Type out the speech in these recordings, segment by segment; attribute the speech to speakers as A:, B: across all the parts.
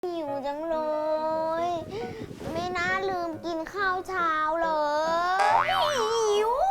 A: หิวจังเลย ไม่น่าลืมกินข้าวเช้าเลยหิว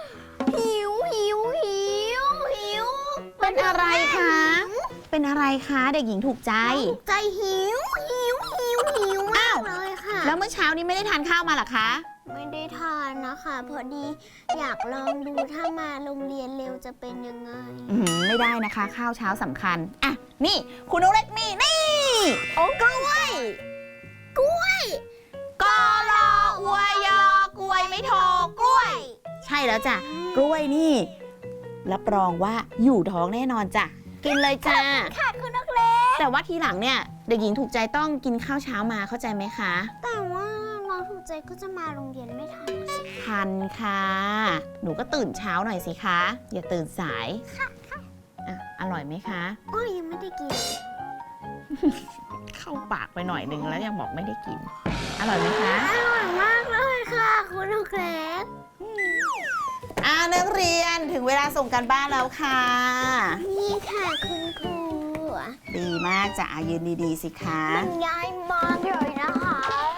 B: เป็นอะไรคะเป็นอะไรคะเด็กหญิงถูกใจ
A: ใจหิวมากเลยค่ะ
B: แล้วเมื่อเช้านี้ไม่ได้ทานข้าวมาหรอคะ
A: ไม่ได้ทานนะคะพอดีอยากลองดูถ้ามาโรงเรียนเร็วจะเป็นยังไง
B: ไม่ได้นะคะข้าวเช้าสำคัญอ่ะนี่คุณนกเล็กนี่
A: โอ้กล้วย
B: กลออวยยอกล้วยไม่โทกล้วย ใช่แล้วจ้ะกล้วยนี่รับรองว่าอยู่ท้องแน่นอนจ้ะกินเลยจ้า
A: ค่ะคุณนกเล็ก
B: แต่ว่าทีหลังเนี่ยเด็กหญิงถูกใจต้องกินข้าวเช้ามาเข้าใจไหมคะ
A: แต่ว่าน้องถูกใจก็จะมาโรงเรียนไม่ทันสิ
B: ทันค่ะหนูก็ตื่นเช้าหน่อยสิคะอย่าตื่นสาย
A: ค่ะ
B: อ่ะอร่อยไหมคะ
A: ยังไม่ได้กิน
B: เข้าปากไปหน่อยนึงแล้วยังบอกไม่ได้กินอร่อยไหมคะ
A: อร่อยมากเลยค่ะคุณนกเล็ก
B: นักเรียนถึงเวลาส่งการบ้านแล้วค่ะ
A: นี่ค่ะคุณครู
B: ดีมากจ้ะยืนดีๆสิคะ
A: มันง่ายมากเลยนะคะ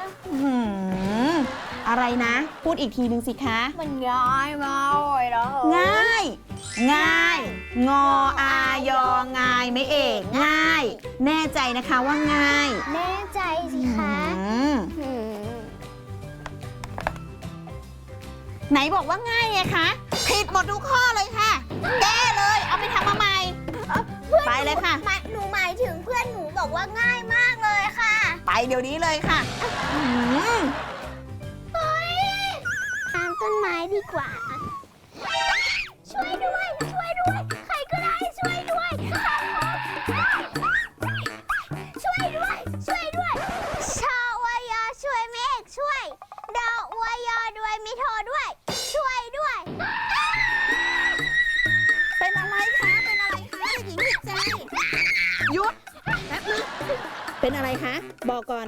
B: อะไรนะพูดอีกทีนึงสิคะ
A: มันง่ายมากเลยนะ
B: ง่ายงออายอง่ายไม่เอกง่ายแน่ใจนะคะว่าง่าย
A: แน่ใจสิคะ
B: ไหนบอกว่าง่ายไงคะผิดหมดทุกข้อเลยค่ะแก้เลยเอาไปทำมาใหม่ไปเลยค่ะ
A: หนูหมายถึงเพื่อนหนูบอกว่าง่ายมากเลยค่ะ
B: ไปเดี๋ยวนี้เลยค่ะ
A: ตามต้นไม้ดีกว่าช่วยด้วยใครก็ได้ช่วยด้วยชอวายอช่วยเมฆช่วยดออวยอด้วยมิโทด้วยช่วยด้วย
B: เป็นอะไรคะเด็กหญิงถูกใจหยุดแป๊บนึงเป็นอะไรคะบอกก่อน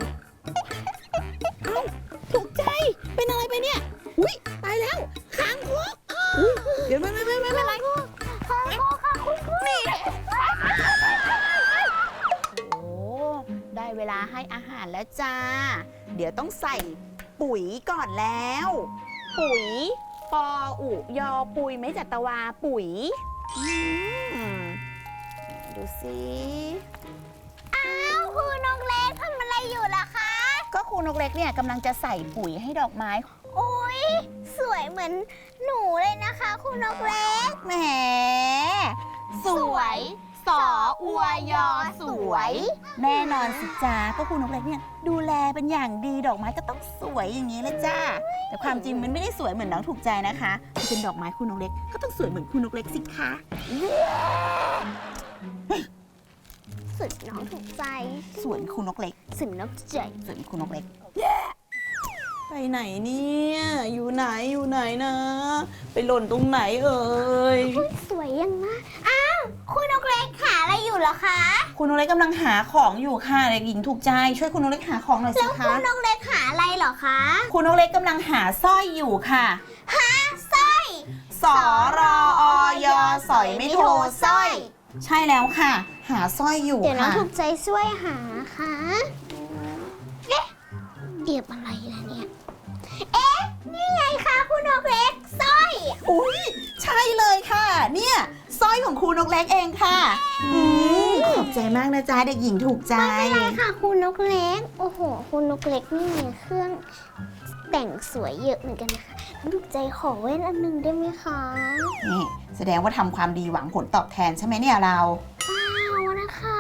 B: ถูกใจเป็นอะไรไปเนี่ยอุ้ยตายแล้วคางคกเดี๋ยวไม่เป็นไร
A: คางคกค่ะคุณครู
B: นี่โอ้ได้เวลาให้อาหารแล้วจ้าเดี๋ยวต้องใส่ปุ๋ยก่อนแล้วปุ๋ยปออุยอปุยไม่จัตวาปุ๋ยดูสิ
A: ครูนกเล็กทำอะไรอยู่ล่ะคะ
B: ก็ครูนกเล็กเนี่ยกำลังจะใส่ปุ๋ยให้ดอกไม้
A: โอ้ยสวยเหมือนหนูเลยนะคะครูนกเล็ก
B: แหมสวยสออวยอสวยแน่นอนสิจ้าก็ครูนกเล็กเนี่ยดูแลเป็นอย่างดีดอกไม้ก็ต้องสวยอย่างนี้เลยจ้าแต่ความจริงมันไม่ได้สวยเหมือนน้องถูกใจนะคะมันเป็นดอกไม้ครูนกเล็กก็ต้องสวยเหมือนครูนกเล็กสิคะ
A: สุดน้องถูกใจ
B: สวนครูนกเล็ก
A: สุดนกใจ
B: สวนครูนกเล็กไปไหนเนี่ยอยู่ไหนนะไปหล่นตรงไหนเอ่ย
A: สวยยังนะครูนกเล็กหาอะไรอยู่เหรอคะ
B: ครูนกเล็กกำลังหาของอยู่ค่ะเด็กหญิงถูกใจช่วยครูนกเล็กหาของหน่อยสิคะ
A: แล้วครูนกเล็กหาอะไรเหรอคะ
B: ครูนกเล็กกำลังหาสร้อยอยู่ค่ะ
A: หาสร้อย
B: สอรออยสอยไม่โทสร้อยใช่แล้วค่ะหาสร้อยอยู่ค่ะ
A: เดี๋ยวน้องถูกใจช่วยหาค่ะเก็บอะไรล่ะเนี่ยนี่ไงคะครูนกเล็กสร้อย
B: อุ้ยใช่เลยค่ะเนี่ยสร้อยของครูนกเล็กเองค่ะขอบใจมากนะจ๊ะเด็กหญิงถูกใจ
A: ไม่เป็นไรค่ะครูนกเล็กโอ้โหครูนกเล็กนี่มีเครื่องแต่งสวยเยอะเหมือนกันนะคะถูกใจขอเว้นอันนึงได้ไหมคะ
B: นี่แสดงว่าทำความดีหวังผลตอบแทนใช่ไหมเนี่ยเรา
A: เปล่านะคะ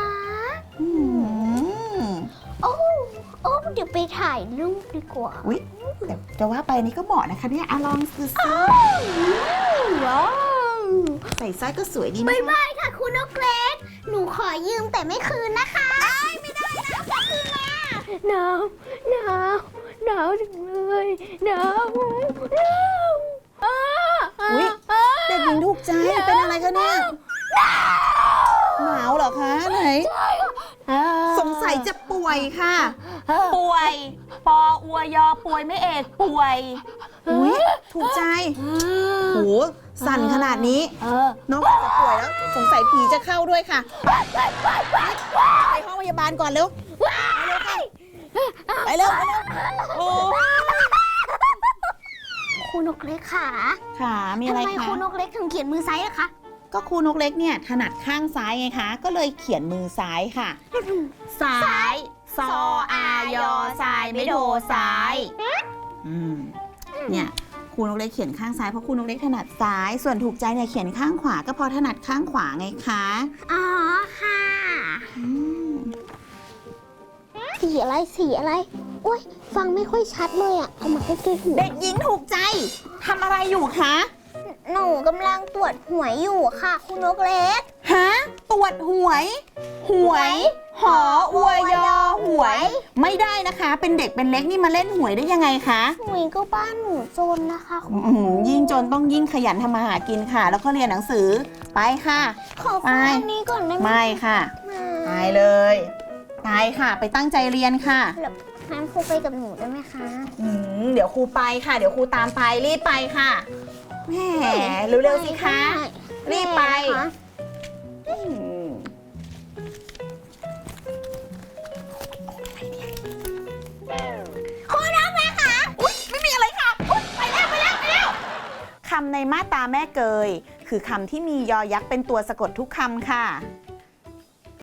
A: โอ้เดี๋ยวไปถ่ายรูปดีกว่า
B: อุ๊ยแต่จะว่าไปนี่ก็เหมาะนะคะเนี่ยลองซื้อ
A: ว้าว
B: ใส่สร้อยก็สวยดี
A: นะไม่ค่ะคุณนกเล็กหนูขอยืมแต่ไม่คืนนะคะไม่ได้นะจะคืนมาหนาวจังเลยหนาว
B: อุ๊ยเด็กหญิงถูกใจเป็นอะไรคะเนี่ยหนาวเหรอคะไหนสงสัยจะป่วยค่ะป่วยปออวยอป่วยไม่เอกป่วยอุ๊ยถูกใจโหสั่นขนาดนี้น้องอาจจะป่วยแล้วสงสัยผีจะเข้าด้วยค่ะไปห้องพยาบาลก่อนเร็วไปเร็วโอ้
A: ครูนกเล็กค่ะ
B: ค่ะมีอะไร
A: ทำไม
B: คะ
A: ครูนกเล็กถึงเขียนมือซ้ายอะคะ
B: ก็ครูนกเล็กเนี่ยถนัดข้างซ้ายไงคะก็เลยเขียนมือซ้ายค่ะซ้ายซออายอซ้ายไม่โดซ้ายเนี่ยครูนกเล็กเขียนข้างซ้ายเพราะครูนกเล็กถนัดซ้ายส่วนถูกใจเนี่ยเขียนข้างขวาก็เพราะถนัดข้างขวาไงคะ
A: อ๋อค่ะสีอะไรสีอะไรโอ๊ยฟังไม่ค่อยชัดเลยอะเอามาใกล้ๆหู
B: เด็กหญิงถูกใจทำอะไรอยู่คะ
A: หนูกำลังตรวจหวยอยู่ค่ะครูนกเล็ก
B: ฮะตรวจหวยหออวยอหวย ไม่ได้นะคะ เป็นเด็กเป็นเล็กนี่มาเล่นหวยได้ยังไงคะ
A: หวยก็บ้านหนูจนนะคะครู
B: ยิ่งจนต้องยิ่งขยันทำมาหากินค่ะ แล้วก็เรียนหนังสือไปค่ะ
A: ขอฟังอันนี้ก่อนได้ไหม
B: ไม่ค่ะไปเลยไปค่ะ ไปตั้งใจเรียนค่ะ
A: แล้วงั้นครูไปกับหนูได้ไหมคะ
B: เดี๋ยวครูไปค่ะ เดี๋ยวครูตามไปรีบไปค่ะแหมเร็วๆสิคะรีบไปอืมครูน้องแม่ค่ะอุ๊ยไม่มีอะไรค่ะอุ๊ยไปแล้วคำในมาตราแม่เกยคือคำที่มียอยักษ์เป็นตัวสะกดทุกคำค่ะ